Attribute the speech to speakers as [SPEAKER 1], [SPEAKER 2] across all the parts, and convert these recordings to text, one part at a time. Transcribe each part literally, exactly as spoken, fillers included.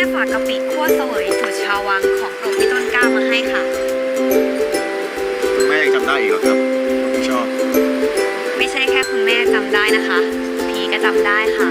[SPEAKER 1] ฝากกะปิคั่วเสวยสูตรชาววังของโปรดพี่ต้นกล้ามาให้ค่ะ
[SPEAKER 2] คุณแม่ยังจำได้อีกเหรอครับผมชอบ
[SPEAKER 1] ไม่ใช่แค่คุณแม่จำได้นะคะพีก็จำได้ค่ะ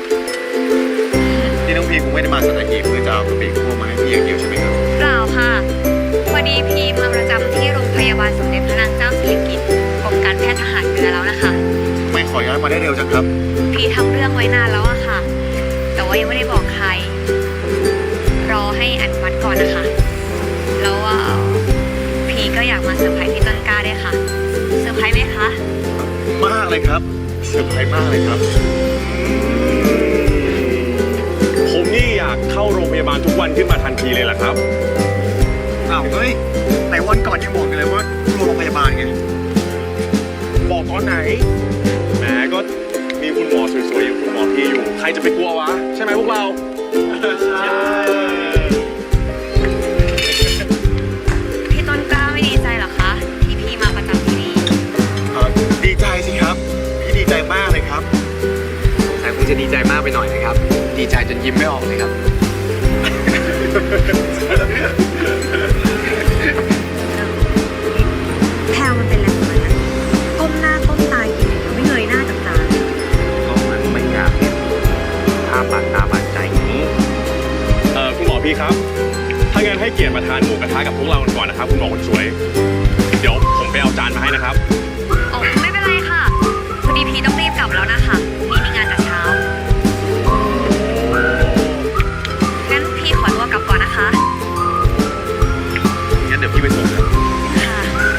[SPEAKER 2] ที่น้องพีคงไม่ได้มาสัตหีบเพื่อจะเอากะปิคั่วมาให้พี่อย่างเดียวใช่ไหมครับ
[SPEAKER 1] เปล่าค่ะพอดีพีมาประจำที่โรงพยาบาลสมเด็จพระนางเจ้าสิริกิติ์กรมการแพทย์ทหารเรือแล้วนะคะ
[SPEAKER 2] ไม่ขอย้ายมาได้เร็วจังครับ
[SPEAKER 1] พีทำเรื่องไว้นานแล้วอะค่ะแต่ว่ายังไม่ได้บอกใครรอให้อนุมัติก่อนนะคะแล้วพีก็อยากมาเซอร์ไพรส์พี่ต้นกล้าด้วยค่ะเซอร์ไพรส์ไหมคะ
[SPEAKER 2] มากเลยครับเซอร์ไพรส์มากเลยครับ
[SPEAKER 3] ผมนี่อยากเข้าโรงพยาบาลทุกวันขึ้นมาทันทีเลยล่ะครับ
[SPEAKER 2] อ้าวเฮ้ยแต่วันก่อนยังบอกกันเลยว่าโรงพยาบาลไง
[SPEAKER 3] บอกตอนไหนแหมก็มีคุณหมอสวยๆอย่างคุณหมอพี่อยู่ใครจะไปกลัววะใช่ไหมพวกเราใช่
[SPEAKER 1] พี่ต้นกล้าไม่ดีใจหรอคะที่พี่มาประจำที่นี่
[SPEAKER 2] ดีใจสิครับพี่ดีใจมากเลยครับ
[SPEAKER 4] แต่คงจะดีใจมากไปหน่อยนะครับดีใจจนยิ้มไม่ออกเลยครับ
[SPEAKER 1] แพลวมันเป็นอะไรของมันนะก้มหน้าก้มตากินอย่างเดียวไม่เงยหน้าจากตา
[SPEAKER 4] ก็มันไม่อยากเห็นภาพบาดตาบาดใจอย่างนี้
[SPEAKER 3] เออคุณหมอพี่ครับถ้างั้นให้เกียรติมาทานหมูกระทะกับพวกเรากันก่อนนะครับคุณหมอคนสวยเดี๋ยวผมไปเอาจานมาให้นะครับ
[SPEAKER 1] อ๋อไม่เป็นไรค่ะพอดีพี่ต้องรีบกลับแล้วนะคะมีมีงานแต่เช้างั้นพี่ขอตัวกลับก่อนนะคะ
[SPEAKER 2] งั้นเดี๋ยวพี่ไปส่งครับ
[SPEAKER 1] ค่ะ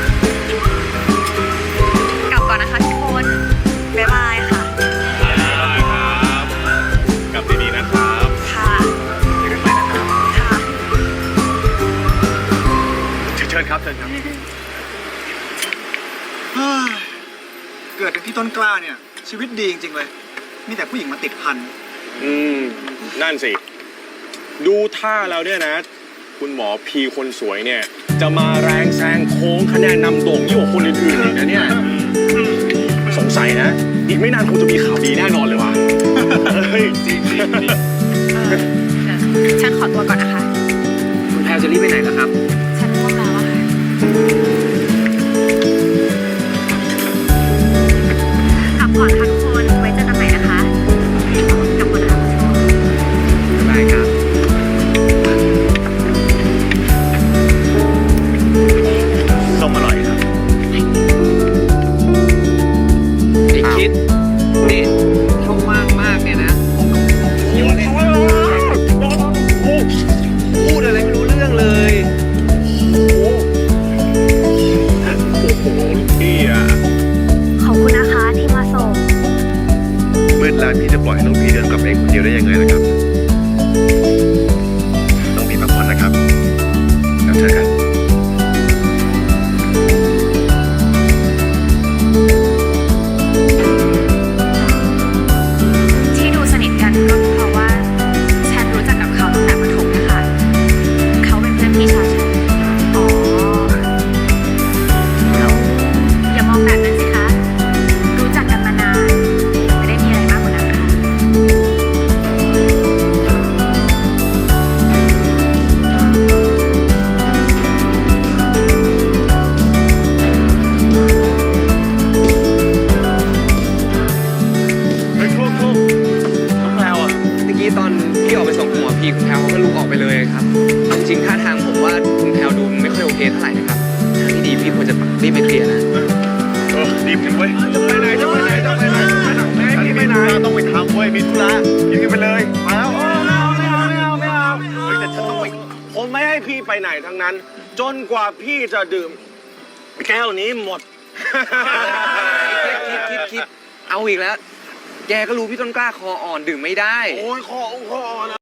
[SPEAKER 1] กลับก่อนนะคะทุกคนบ๊ายบายค่ะ
[SPEAKER 3] บ๊ายบายครับกลับดีๆนะครับ
[SPEAKER 1] ค่ะ
[SPEAKER 2] เจอกันใหม่นะครับ
[SPEAKER 1] ค่ะ
[SPEAKER 2] เชิญครับเชิญครับเกิดเป็นพี่ต้นกล้าเนี่ยชีวิตดีจริงๆเลยมีแต่ผู้หญิงมาติดพัน
[SPEAKER 3] อืมนั่นสิดูท่าแล้วเนี่ยนะคุณหมอพีคนสวยเนี่ยจะมาแรงแซงโค้งคะแนนนำโด่งยิ่งกว่าคนอื่นๆอีกนะเนี่ยสงสัยนะอีกไม่นานคงจะมีข่าวดีแน่นอนเลยว่ะเฮ้ยจริงจริง
[SPEAKER 1] ฉันขอตัวก่อนนะคะ
[SPEAKER 4] คุณแพลวจะรีบไปไหนล่ะครับ
[SPEAKER 1] ฉันง่วงแล้วอะค่ะกลับก่อนค่ะทุกคนไว้เจอกันใหม่นะคะกลับก่อนนะคะ
[SPEAKER 4] ได้ครับ
[SPEAKER 2] ส้มอร่อยครับ
[SPEAKER 4] ไอ้คิดนี่ช่องว่างมากเนี่ยนะพูดอะไรไม่รู้เรื่องเลย
[SPEAKER 3] โอ้โหพี่อ่ะ
[SPEAKER 1] ขอบคุณนะคะที่มาส่ง
[SPEAKER 2] มืดแล้วพี่จะปล่อยให้น้องพีเดินกลับเองคนเดียวได้ยังไงนะครับน้องพีพักผ่อนนะครับแล้วเจอกัน
[SPEAKER 1] ที่ดูสนิทกันก็เพราะว่าฉันรู้จักกับเขาตั้งแต่ประถมนะคะเขาเป็นเพื่อนพี่ชายฉันอ๋อแล้วอย่ามองแบบนั้นสิคะรู้จักกันมานานไม่ได้มีอะไรมากกว่านั้นค่ะ
[SPEAKER 3] เฮ้ยคลุกคลุกน้องแพลวอ่ะ
[SPEAKER 4] เมื่อกี้ตอนพี่ออกไปส่งคุณหมอพีคุณแพลวเขาก็ลุกออกไปเลยครับจริงๆท่าทางผมว่าคุณแพลวดูไม่ค่อยโอเคเท่าไหร่นะครับทางที่ดีพี่ควรจะรีบไปเคลียร์นะ
[SPEAKER 2] เออรีบกันเว้ย
[SPEAKER 3] จะไปไหนจะไปไหนจะไปไหนจะไปไหน
[SPEAKER 2] ต้องไปทำเว้ยมีธุระรีบไปเลยมาแล้ว
[SPEAKER 3] ไม่เอาไม่เอาไม่เอาไม่เอา
[SPEAKER 2] เฮ้ยแต่ฉันต้องไป
[SPEAKER 3] ผมไม่ให้พี่ไปไหนทั้งนั้น จนกว่าพี่จะดื่มแก้วนี้หมด
[SPEAKER 4] คิดคิดคิดเอาอีกแล้วแกก็รู้พี่ต้นกล้าคออ่อนดื่มไม่ได้
[SPEAKER 3] โอ้ยคอคออ่อน